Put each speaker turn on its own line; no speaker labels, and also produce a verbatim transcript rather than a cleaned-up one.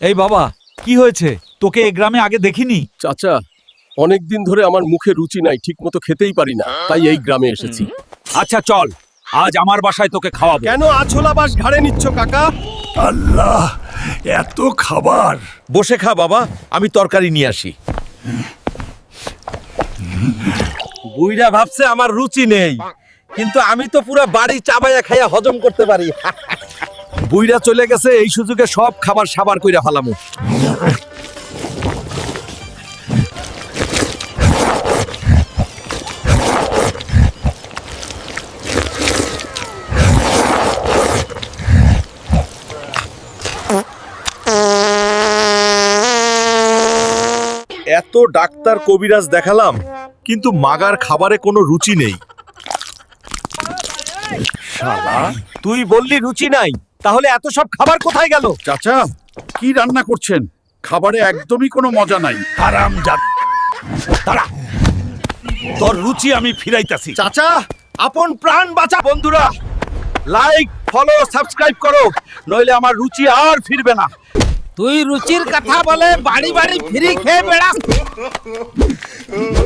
এই বাবা, কি হয়েছে? তোকে এই গ্রামে আগে দেখিনি।
চাচা, অনেকদিন ধরে আমার মুখে রুচি নাই, ঠিকমতো খেতেই পারি না, তাই এই গ্রামে এসেছি।
আচ্ছা চল, আজ আমার বাসায় তোকে খাওয়াবো।
কেন আছোলা বাস ঘাড়ে নিচ্ছ কাকা?
আল্লাহ, এত খাবার!
বসে খা বাবা, আমি তরকারি নিয়ে আসি। বুইড়া ভাবছে আমার রুচি নেই, কিন্তু আমি তো পুরো বাড়ি চাবাইয়া খাইয়া হজম করতে পারি। বুইড়া চলে গেছে, এই সুযোগে সব খাবার সাবার কইরা ফেলামু। এত ডাক্তার কবিরাজ দেখালাম, কিন্তু মাগার খাবারে কোনো রুচি নেই। শালা, তুই বললি রুচি নাই, তাহলে এত সব খাবার কোথায় গেল?
চাচা, কি রান্না করছেন? খাবারে একদমই কোনো মজা নাই। হারামজাদ!
তারা, তোর রুচি আমি ফিরাইতাছি।
চাচা,
আপন প্রাণ বাঁচা। বন্ধুরা, লাইক, ফলো, সাবস্ক্রাইব করো, নইলে আমার রুচি আর ফিরবে না।
তুই রুচির কথা বলে বাড়ি বাড়ি ফিরি খেয়ে বেড়াস।